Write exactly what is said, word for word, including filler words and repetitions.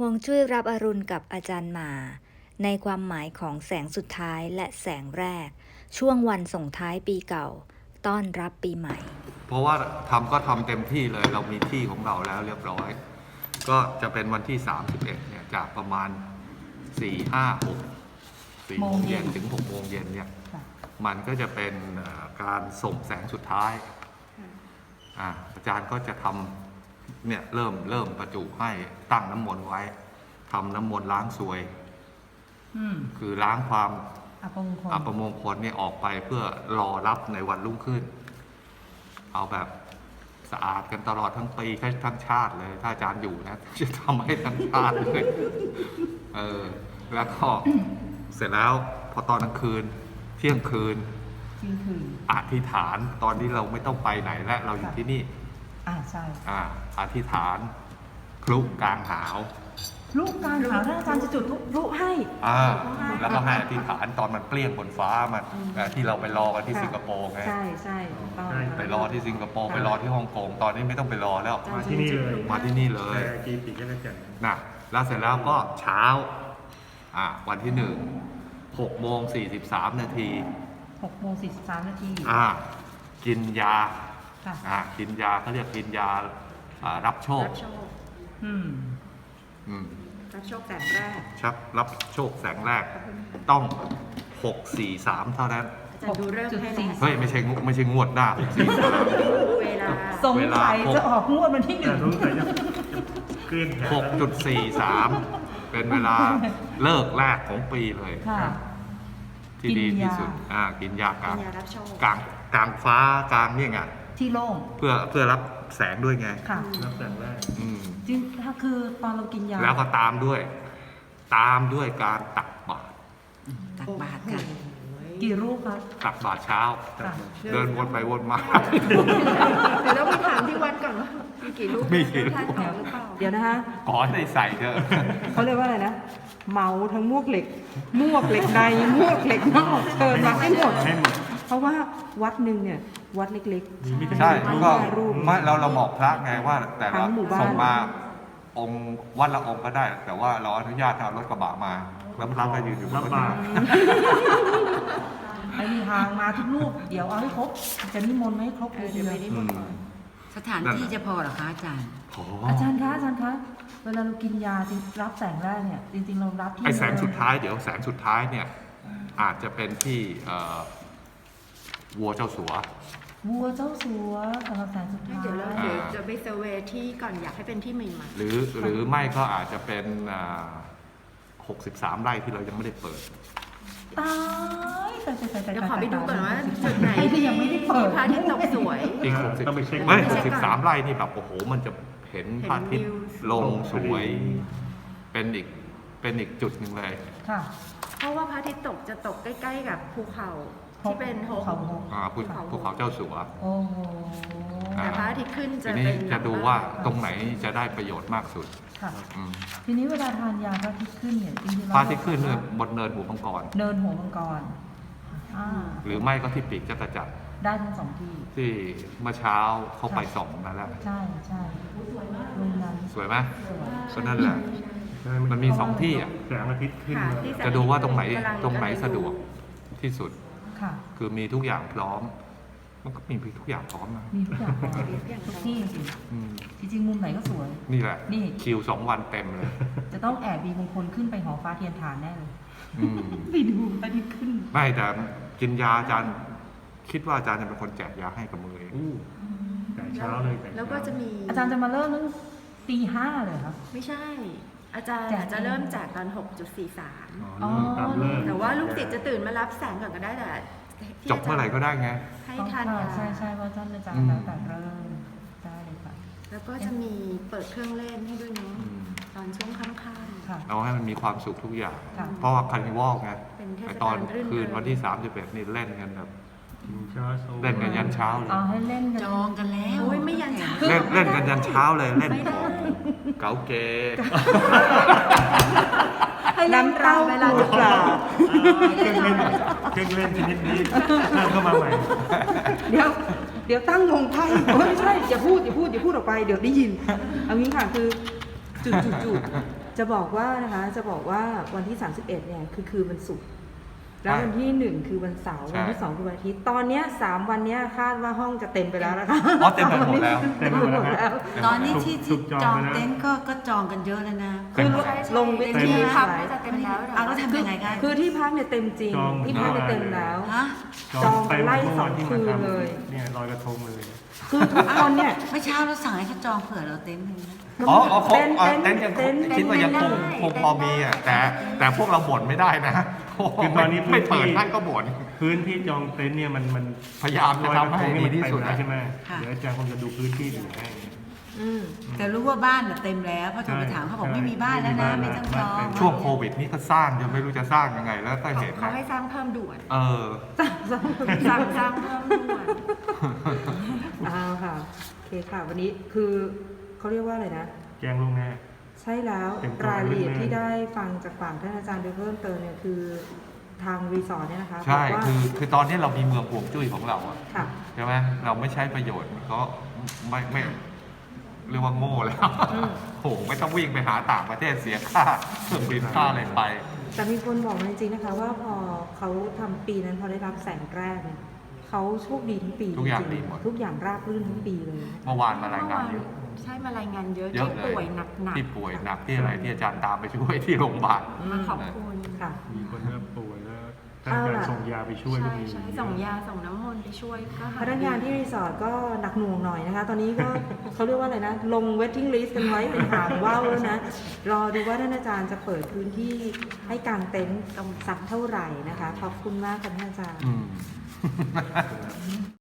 ฮวงจุ้ยรับอรุณกับอาจารย์หมาในความหมายของแสงสุดท้ายและแสงแรกช่วงวันส่งท้ายปีเก่าต้อนรับปีใหม่เพราะว่าทำก็ทำเต็มที่เลยเรามีที่ของเราแล้วเรียบร้อยก็จะเป็นวันที่สามสิบเอ็ดเนี่ยจากประมาณสี่ ห้า หก สี่โมงเย็นถึงหกโมงเย็นเนี่ยมันก็จะเป็นการส่งแสงสุดท้ายอ่าอาจารย์ก็จะทำเนี่ยเริ่มเริ่มประจุให้ตั้งน้ำมนต์ไว้ทำน้ำมนต์ล้างซวยคือล้างความอัปมงคลอัปมงคลเนี่ยออกไปเพื่อรอรับในวันรุ่งขึ้นเอาแบบสะอาดกันตลอดทั้งปีทั้งชาติเลยถ้าอาจารย์อยู่นะจะทำให้ทั้งชาติเลยเออแล้วก็เสร็จแล้วพอตอนกลางคืนเที่ยงคืนอธิษฐานตอนที่เราไม่ต้องไปไหนและเราอยู่ที่นี่อ่าใช่อ่าอธิษฐานคลุกกลางหาวลูกการหาท่านอาจารย์จะจุดลูกให้อ่าแล้วก็ให้อธิษฐานตอนมันเปลี่ยงบนฟ้ามันที่เราไปรอกันที่สิงคโปร์ไงใช่ใช่ไปรอที่สิงคโปร์ไปรอที่ฮ่องกงตอนนี้ไม่ต้องไปรอแล้วมาที่นี่เลยมาที่นี่เลยกีติกันกันนะแล้วเสร็จแล้วก็เช้าอ่าวันที่หนึ่งหกโมงสี่สิบสามนาทีหกโมงสี่สิบสามนาทีอ่ากินยาอ่ากินยาเขาเรียกกินยารับโชคอืมอืมรับโชคแสงแรกครับรับโชคแสงแรกต้องหก สี่ สามเท่านั้นจะดูเริ่มให้เฮ้ยไม่ใช่ไม่ใช่งวดหน้าเวลาสงสัยจะออกงวดวันที่หนึ่งหกจุดสี่สามเป็นเวลาเลิกแรกของปีเลยที่ดีที่สุดอ่ากินยากลางกลางกลางฟ้ากลางเนี่ยไงที่โล่งเพื่อเพื่อรับแสงด้วยไงรับแสงแรกจริงถ้าคือตอนเรากินยาแล้วก็ตามด้วยตามด้วยการตักบาตรตักบาตรค่ะกี่รูปครับตักบาตรเช้าเดินวนไปวนมาเดี๋ยวเราไปถามที่วัดก่อนว่ามีกี่รูปมีกี่รูปเดี๋ยวนะฮะขอให้ใส่เถอะเขาเรียกว่าอะไรนะเมาทั้งมวกเหล็กมวกเหล็กในมวกเหล็กนอกเชิญมาให้หมดเพราะว่าวัดหนึ่งเนี่ยวัดเล็กๆใช่ก็ไม่เราเราบอกพระไงว่าแต่เราส่งมาองค์วัดละองค์ก็ได้แต่ว่าเราอนุญาตให้เอารถกระบะมาแล้วพระก็ยืนอยู่บนรถไอ้นี่ทางมาทุกรูปเดี๋ยวเอาให้ครบจะนิมนต์ให้ครบเลยเดี๋ยวนิมนต์สถานที่จะพอหรอคะอาจารย์อาจารย์คะอาจารย์คะเวลาเรากินยารับแสงแรกเนี่ยจริงๆเรารับที่ไอ้แสงสุดท้ายเดี๋ยวแสงสุดท้ายเนี่ยอาจจะเป็นที่วัวเจ้าสัววัวเจ้าสัวสำหรับแสงสุดท้ายเดี๋ยวเราเดี๋ยวจะไปเซอร์เวย์ที่ก่อนอยากให้เป็นที่ใหม่ๆหรือหรือไม่ก็อาจจะเป็นหกสิบสามไร่ที่เรายังไม่ได้เปิดตายแต่แต่แต่เดี๋ยวขอไปดูก่อนว่าจุดไหนที่ยังไม่ได้เปิดพระอาทิตย์ตกสวยอีกหกสิบไม่หกสิบสามไร่นี่แบบโอ้โหมันจะเห็นพระอาทิตย์ลงสวยเป็นอีกเป็นอีกจุดหนึ่งเลยค่ะเพราะว่าพระอาทิตย์ตกจะตกใกล้ๆกับภูเขาที่เป็นภูเขาภูเขาภูเขาเจ้าสัวโอ้โหแต่พระอาทิตย์ขึ้นจะเป็นจะดูว่าตรงไหนจะได้ประโยชน์มากสุดทีนี้เวลาทานยาพระอาทิตย์ขึ้นเนี่ยจริงๆพระอาทิตย์ขึ้นเนี่ยบนเนินหัวมังกรเนินหัวมังกรหรือไม่ก็ที่ปีกจักรจักรได้ทั้งสองที่ที่เมื่อเช้าเขาไปส่องมาแล้วใช่ใช่รูปนั้นสวยไหมก็นั่นแหละมันมีสองที่อ่ะแสงอาทิตย์ขึ้นจะดูว่าตรงไหนตรงไหนสะดวกที่สุดคือมีทุกอย่างพร้อมมันก็มีทุกอย่างพร้อมนะมีทุกอย่างทุกที่จริงจริงมุมไหนก็สวยนี่แหละนี่คิวสองวันเต็มเลยจะต้องแอบมีมงคลขึ้นไปหอฟ้าเทียนฐานแน่เลยไปดูไปดิขึ้นไม่แต่กินยาอาจารย์คิดว่าอาจารย์จะเป็นคนแจกยาให้กับมือเองแต่เช้าเลยแล้วก็จะมีอาจารย์จะมาเริ่มตั้งตีห้าเลยครับไม่ใช่อาจารย์จะเริ่มจากตอน หกจุดสี่สาม แต่ว่าลูกศิษย์จะตื่นมารับแสงก่อนก็ได้แต่จบเมื่อไหร่ก็ได้ไงให้ทันใช่ใช่เพราะท่านอาจารย์แล้วแต่เริ่มได้เลยค่ะแล้วก็จะมีเปิดเครื่องเล่นให้ด้วยเนาะตอนช่วงค่ำๆเอาให้มันมีความสุขทุกอย่างเพราะว่าคาร์นิวัลไงตอนคืนวันที่สามสิบเอ็ดนี่เล่นกันแบบเล่นกันยันเช้าเลยอ๋อให้เล่นจองกันแล้วโอ้ยไม่ยันเช้าเล่นเล่นกันยันเช้าเลยเล่นของเก๋าเก๋ให้น้ำเต้าเวลาหรือเปล่าเครื่องเล่นเครื่องเล่นชนิดนี้ตั้งเข้ามาใหม่เดี๋ยวเดี๋ยวตั้งวงไพ่ไม่ใช่อย่าพูดอย่าพูดอย่าพูดออกไปเดี๋ยวได้ยินเอางี้ค่ะคือจุดจุดจุดจะบอกว่านะคะจะบอกว่าวันที่ สามสิบเอ็ดเนี่ยคือคืนวันศุกร์แล้ววันที่หนึ่งคือวันเสาร์ใช่วันที่สองคือวันอาทิตย์ตอนเนี้ยสามวันเนี้ยคาดว่าห้องจะเต็มไปแล้วนะคะอ๋อเต็มไปหมดแล้วเต็มไปหมดแล้วตอนนี้ที่ถูที่กจองจองไปแล้วเต็นท์ก็ก็จองกันเยอะแล้วนะคือลงเวเต็มทีที่พักหลายก็จะเต็มแล้วเอาแล้วทำยังไงคะคือที่พักเนี่ยเต็มจริงจองที่พักเนี่ยเต็มแล้วฮะจองไปไล่เมื่อสอวาง นที่มาคืนทำเลยเนี่ยลอยกระทงเลยคือทุกคนเนี่ยเมื่อเช้าเราสั่งให้เขาจองเผื่อเราเต็นท์หนึงนะอ๋ออ๋อเขาเต้นอ๋อเต้เต็นนท์ยังเต้นคิดว่ายังคงคงพอมีอ่ะแต่แต่พวกเราบ่นไม่ได้นะโโหคือตอนนี้พื้นที่ไม่เปิดให้ก็บ่นพื้นที่จองเต็นท์เนี่ยมันมันพยายามจะทำให้ดีที่สุดลอยกระทงนี่มันเต็มแล้วใช่ไหมค่ะเดี๋ยวอาจารย์คงจะดูพื้นที่อยู่ให้อืมแต่รู้ว่าบ้านน่ะเต็มแล้วเพราะโทรไปถามเขาบอกไม่มีบ้านแล้วนะไม่ต้องจองช่วงโควิดนี่ก็สร้างจนไม่รู้จะสร้างยังไงแล้วก็เห็นเขานะให้สร้างเพิ่มด่วนเออสั่งสร้างเพิ่มด่วนเอาค่ะโอเคค่ะ วันนี้คือเขาเรียกว่าอะไรนะแจ้งล่วงหน้าใช่แล้วเต็มตัวรายละเอียดแน่ๆที่ได้ฟังจากฝั่งท่านอาจารย์โดยเพิ่มเติมเนี่ยคือทางรีสอร์ทเนี่ยนะคะใช่บอกว่าคือคือตอนนี้เรามีเมืองห่วงจุ้ยของเราอะค่ะใช่ไหมเราไม่ใช้ประโยชน์มันก็ไม่ไม่เรียกว่าโง่แล้วอืมโหไม่ต้องวิ่งไปหาต่างประเทศเสียค่าเครื่องบินค่าอะไรไปแต่มีคนบอกมาจริงๆนะคะว่าพอเขาทำปีนั้นพอได้รับแสงแรกเนี่ยเขาโชคดีทั้งปีทุกอย่างจริดีหมดทุกอย่างราบรื่นทั้งปีเลยเมื่อวานมารายงานเยอะใช่มารายงานเยอะเยอะที่เลยป่วยหนักที่ป่วยหนักที่อะไรที่อาจารย์ตามไปช่วยที่โรงพยาบาลๆมาขอบคุณค่ะมีคนเริ่มป่วยแล้วท่านอาจารย์ส่งยาไปช่วยก็ใช่มีใช่ส่งยาส่งน้ำมนต์ไปช่วยก็หพนักงานที่รีสอร์ทก็หนักหน่วงหน่อยนะคะ ตอนนี้ก็ เขาเรียกว่าอะไรนะ ลง waiting list กันไว้เป็นหางว่าวแล้วนะ รอดูว่าท่านอาจารย์จะเปิดพื้นที่ให้กางเต็นท์สักเท่าไหร่นะคะ ขอบคุณมากค่ะท่านอาจารย์อืม